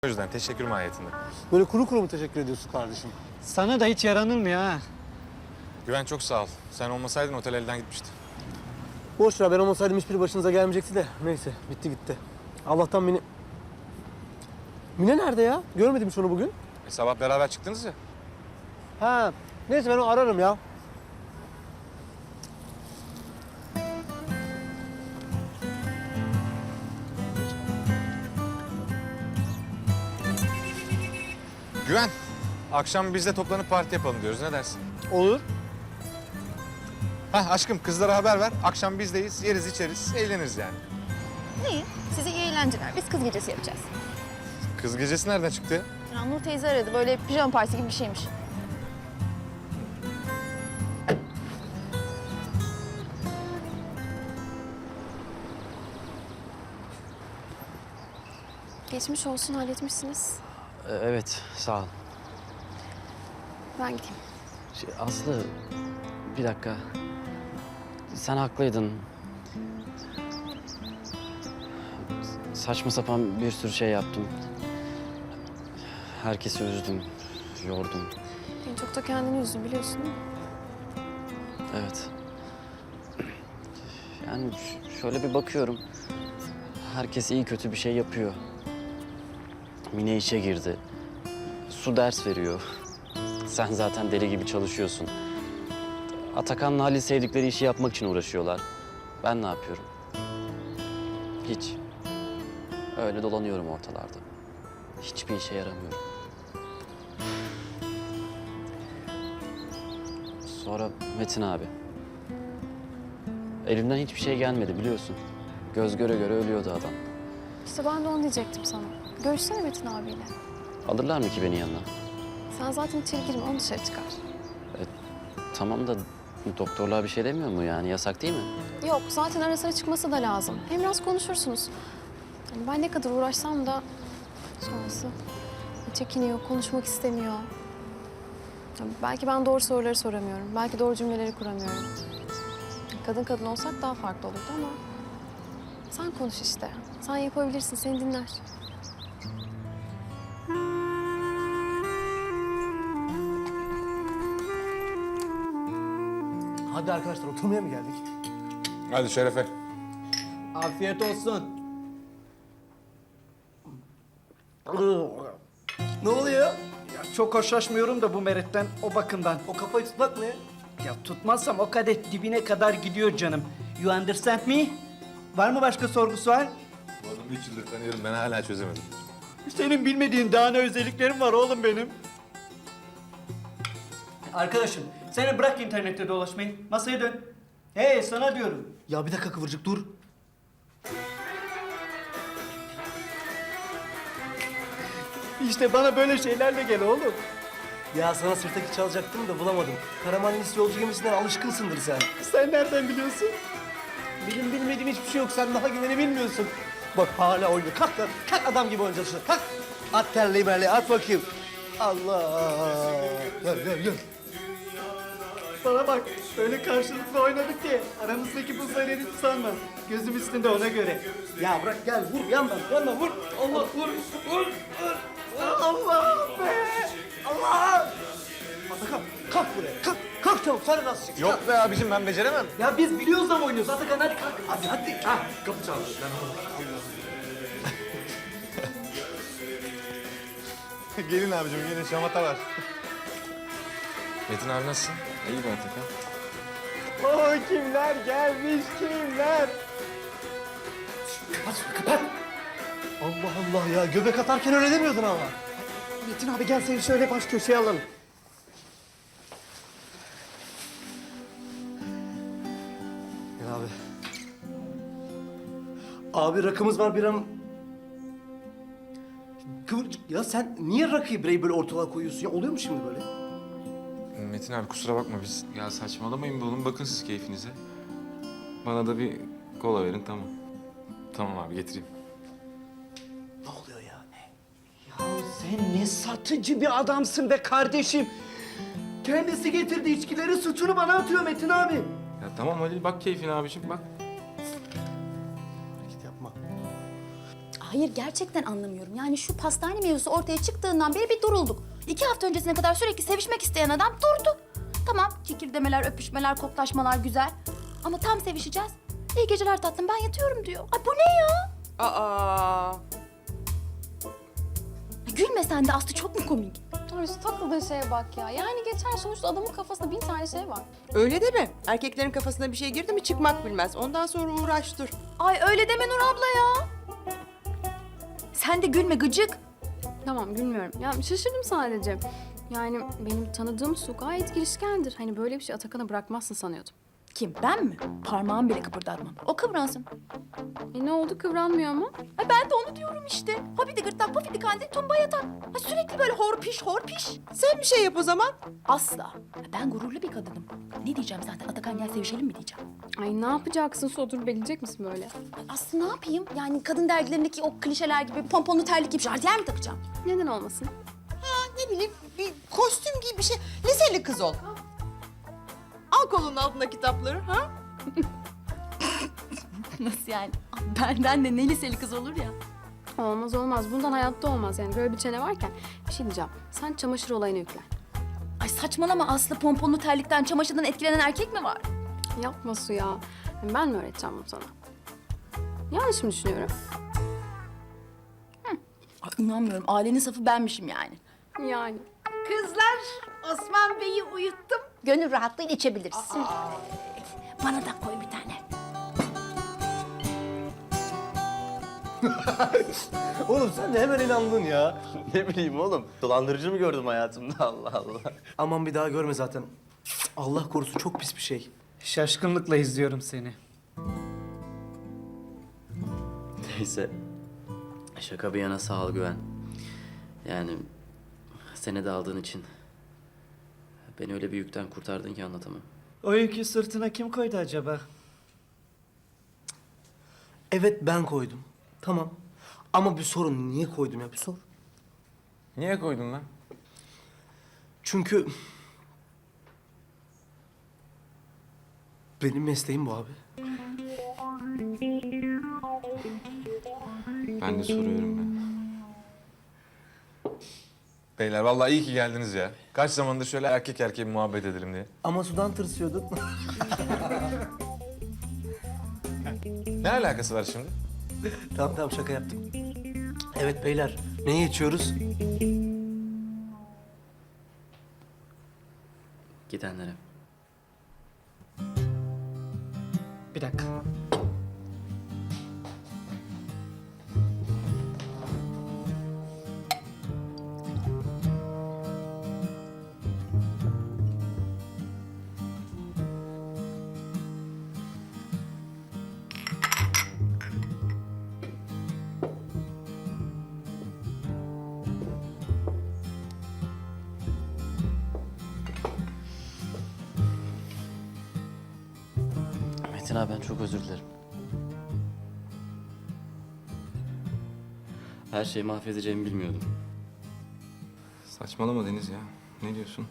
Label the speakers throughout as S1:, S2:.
S1: O yüzden teşekkür mahiyetinde.
S2: Böyle kuru kuru mu teşekkür ediyorsun kardeşim?
S3: Sana da hiç yaranılmıyor ha.
S1: Güven çok sağ ol. Sen olmasaydın otel elden gitmişti.
S2: Boş ver, ben olmasaydım hiçbiri başınıza gelmeyecekti de. Neyse, bitti gitti. Allah'tan Mine... Mine nerede ya? Görmedim hiç onu bugün.
S1: Sabah beraber çıktınız ya.
S2: Ha, neyse ben onu ararım ya.
S1: Güven, akşam biz de toplanıp parti yapalım diyoruz. Ne dersin?
S2: Olur.
S1: Hah aşkım kızlara haber ver. Akşam bizdeyiz. Yeriz içeriz. Eğleniriz yani.
S4: İyi. Size iyi eğlenceler. Biz kız gecesi yapacağız.
S1: Kız gecesi nereden çıktı ya?
S4: Ya Nur teyze aradı. Böyle pijama partisi gibi bir şeymiş. Geçmiş olsun, halletmişsiniz.
S5: Evet, sağ ol.
S4: Ben gideyim.
S5: Aslı, bir dakika. Sen haklıydın. Saçma sapan bir sürü şey yaptım. Herkesi üzdüm, yordum.
S4: En çok da kendini üzdün biliyorsun değil mi?
S5: Evet. Yani şöyle bir bakıyorum. Herkes iyi kötü bir şey yapıyor. Mine işe girdi. Su ders veriyor. Sen zaten deli gibi çalışıyorsun. Atakan'la Halil sevdikleri işi yapmak için uğraşıyorlar. Ben ne yapıyorum? Hiç. Öyle dolanıyorum ortalarda. Hiçbir işe yaramıyorum. Sonra Metin abi. Elimden hiçbir şey gelmedi biliyorsun. Göz göre göre ölüyordu adam.
S4: İşte ben de onu diyecektim sana. Görüşsene Metin abiyle.
S5: Alırlar mı ki beni yanına?
S4: Sen zaten içeri girme, onu dışarı çıkar.
S5: Tamam da doktorlar bir şey demiyor mu yani? Yasak değil mi?
S4: Yok, zaten ara sıra çıkması da lazım. Hem biraz konuşursunuz. Yani ben ne kadar uğraşsam da sonrası çekiniyor, konuşmak istemiyor. Ya belki ben doğru soruları soramıyorum. Belki doğru cümleleri kuramıyorum. Kadın kadın olsak daha farklı olurdu ama sen konuş işte. Sen yapabilirsin, seni dinler.
S2: Hadi arkadaşlar, oturmaya mı geldik?
S1: Hadi Şerefe.
S3: Afiyet olsun.
S2: Ne oluyor?
S6: Ya çok hoşlaşmıyorum da bu Meret'ten, o bakımdan.
S2: O kafayı tutmak ne?
S6: Ya tutmazsam o kadeh dibine kadar gidiyor canım. You understand me? Var mı başka sorgusu var?
S1: Bu adamı 3 yıldır tanıyorum. Ben hala çözemedim.
S6: Senin bilmediğin daha ne özelliklerim var oğlum benim. Arkadaşım, sen bırak internette dolaşmayı. Masaya dön. Hey, sana diyorum.
S2: Ya bir dakika Kıvırcık, dur.
S6: İşte bana böyle şeylerle gel oğlum.
S2: Ya sana sırtaki çalacaktım da bulamadım. Karamanlis yolcu gemisinden alışkınsındır sen.
S6: Sen nereden biliyorsun?
S2: Benim bilmediğim hiçbir şey yok. Sen daha güveni bilmiyorsun. Bak hala oynuyor. Kalk lan. Kalk adam gibi oynayacağız şurada. Kalk. At terliği merliği. At bakayım. Allah. Gel gel gel.
S6: Bana bak, öyle karşılıklı oynadık ki aramızdaki buzlar eridi sanma. Gözüm üstünde ona göre.
S2: Ya bırak gel. Vur yandan. Yandan vur. Allah vur. Vur.
S6: Allah be! Allah!
S2: Atakan kalk buraya. Kalk. Kalk çabuk. Sen nasıl çıksın?
S1: Yok be abicim ben beceremem.
S6: Ya biz biliyoruz da mı oynuyoruz? Atakan hadi kalk.
S2: Hadi hadi. Ha, kapı çaldı.
S1: Gelin abicim gelin şamata var. Metin abi nasılsın? İyi ben Atakan.
S6: Oh kimler gelmiş kimler?
S2: Kapat şunu, kapat. Allah Allah ya. Göbek atarken öyle demiyordun ama.
S6: Metin abi gel seni şöyle baş köşeye alalım.
S2: Gel abi. Abi rakımız var bir an. Kıvırcık ya, sen niye rakıyı bireyi böyle ortalığa koyuyorsun ya? Oluyor mu şimdi böyle?
S1: Metin abi kusura bakma biz.
S7: Ya saçmalamayın be oğlum. Bakın siz keyfinize. Bana da bir kola verin tamam.
S1: Tamam abi getireyim.
S2: Ne oluyor ya?
S6: Ya sen ne satıcı bir adamsın be kardeşim. Kendisi getirdi içkileri, suçunu bana atıyor Metin abi.
S7: Ya tamam Halil bak keyfine abiciğim bak.
S2: Hareket yapma.
S8: Hayır gerçekten anlamıyorum. Yani şu pastane mevzusu ortaya çıktığından beri bir durulduk. 2 hafta öncesine kadar sürekli sevişmek isteyen adam durdu. Tamam kikirdemeler, öpüşmeler, koklaşmalar güzel. Ama tam sevişeceğiz. İyi geceler tatlım ben yatıyorum diyor. Ay bu ne ya?
S9: Aa.
S8: Gülme sen de Aslı çok mu komik?
S4: Ay şu takıldığın şeye bak ya. Yani geçer sonuçta adamın kafasında 1000 tane şey var.
S9: Öyle deme. Erkeklerin kafasına bir şey girdi mi çıkmak bilmez. Ondan sonra uğraş dur.
S8: Ay öyle deme Nur abla ya. Sen de gülme gıcık.
S4: Tamam gülmüyorum. Ya şaşırdım sadece. Yani benim tanıdığım Su gayet girişkendir. Hani böyle bir şey Atakan'a bırakmazsın sanıyordum.
S8: Kim ben mi? Parmağımı bile kıpırdatmam. O kıvransın.
S4: Ne oldu kıvranmıyor ama?
S8: Ay ben de onu diyorum işte. Hobidi gırtlak, pofidi kandil, tumba yatak. Ay sürekli böyle horpiş horpiş.
S9: Sen bir şey yap o zaman.
S8: Asla. Ben gururlu bir kadınım. Ne diyeceğim zaten? Atakan gel sevişelim mi diyeceğim.
S4: Ay ne yapacaksın Su? Oturup bekleyecek misin böyle?
S8: Ay Aslı ne yapayım? Yani kadın dergilerindeki o klişeler gibi pomponlu terlik gibi jardiyer mi takacağım?
S4: Neden olmasın?
S9: Ne bileyim bir kostüm gibi bir şey. Liseli kız ol. Al kolunun altına kitapları ha?
S8: Nasıl yani? Benden de ne liseli kız olur ya.
S4: Olmaz olmaz. Bundan hayatta olmaz yani. Böyle bir çene varken bir şey diyeceğim. Sen çamaşır olayına yüklen.
S8: Ay saçmalama Aslı pomponlu terlikten, çamaşırdan etkilenen erkek mi var?
S4: Yapma Su ya. Ben mi öğreteceğim bunu sana? Yanlış mı düşünüyorum?
S8: Ay inanmıyorum. Ailenin safı benmişim yani.
S4: Yani.
S6: Kızlar, Osman Bey'i uyuttum.
S8: Gönül rahatlığıyla içebilirsin. Bana da koy bir tane.
S2: Oğlum sen de hemen inandın ya.
S10: Ne bileyim oğlum. Dolandırıcı mı gördüm hayatımda Allah Allah.
S2: Aman bir daha görme zaten. Allah korusun çok pis bir şey.
S3: Şaşkınlıkla izliyorum seni.
S5: Neyse. Şaka bir yana sağ ol Güven. Yani seni de aldığın için beni öyle bir yükten kurtardın ki anlatamam.
S3: O yükü sırtına kim koydu acaba?
S2: Evet ben koydum. Tamam. Ama bir sorun niye koydum ya bir sor.
S1: Niye koydun lan?
S2: Çünkü benim mesleğim bu abi.
S7: Ben de soruyorum ya.
S1: Beyler vallahi iyi ki geldiniz ya. Kaç zamandır şöyle erkek erkeğe bir muhabbet edelim diye.
S2: Ama sudan tırsıyordun.
S1: Ne alakası var şimdi?
S2: Tamam tamam şaka yaptım. Evet beyler neye içiyoruz?
S5: Gidenlere.
S3: Bir dakika.
S5: Metin abi ben çok özür dilerim. Her şeyi mahvedeceğimi bilmiyordum.
S7: Saçmalama Deniz ya. Ne diyorsun?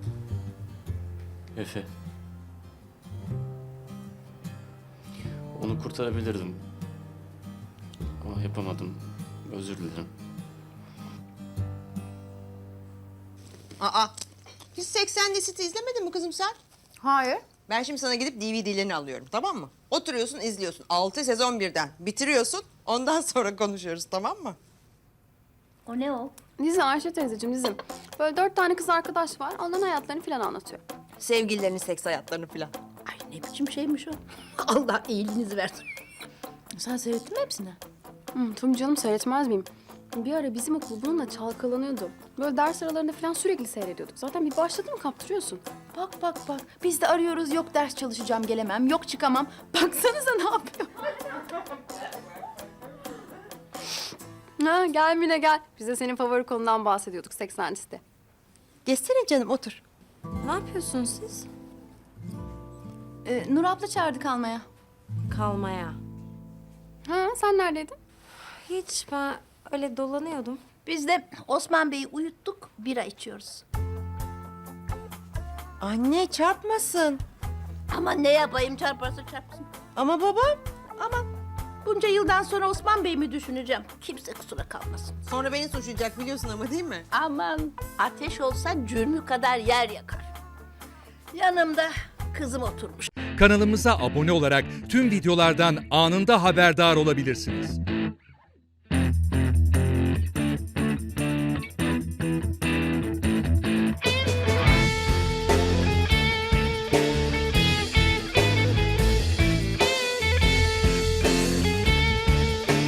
S5: Efe. Onu kurtarabilirdim. Ama yapamadım. Özür dilerim.
S9: Aa. Hiç 80 Lisit'i izlemedin mi kızım sen?
S8: Hayır.
S9: Ben şimdi sana gidip DVD'lerini alıyorum tamam mı? Oturuyorsun izliyorsun. 6 sezon birden. Bitiriyorsun. Ondan sonra konuşuyoruz tamam mı?
S8: O ne o?
S4: Dizi Ayşe teyzeciğim dizim. Böyle 4 tane kız arkadaş var. Onların hayatlarını falan anlatıyor.
S9: Sevgililerinin seks hayatlarını falan.
S8: Ay ne biçim şeymiş o? Allah iyiliğinizi versin. Sen seyrettin mi hepsini?
S4: Tabii canım seyretmez miyim? Bir ara bizim okul bununla çalkalanıyordu. Böyle ders aralarında falan sürekli seyrediyorduk. Zaten bir başladı mı kaptırıyorsun.
S8: Bak bak bak. Biz de arıyoruz yok ders çalışacağım gelemem, yok çıkamam. Baksanıza ne yapıyor?
S4: Ha, gel Mine gel. Biz de senin favori konudan bahsediyorduk 80 liste.
S9: Geçsene canım otur.
S8: Ne yapıyorsunuz siz? Nur abla çağırdı kalmaya.
S11: Kalmaya.
S4: Ha, sen neredeydin?
S11: Hiç ben öyle dolanıyordum.
S8: Biz de Osman Bey'i uyuttuk, bira içiyoruz.
S9: Anne çarpmasın.
S8: Ama ne yapayım çarparsa çarpsın.
S9: Ama babam.
S8: Ama
S12: bunca yıldan sonra Osman Bey mi düşüneceğim? Kimse kusura kalmasın.
S9: Sonra beni suçlayacak biliyorsun ama değil mi?
S12: Aman ateş olsa cürmü kadar yer yakar. Yanımda kızım oturmuş.
S13: Kanalımıza abone olarak tüm videolardan anında haberdar olabilirsiniz.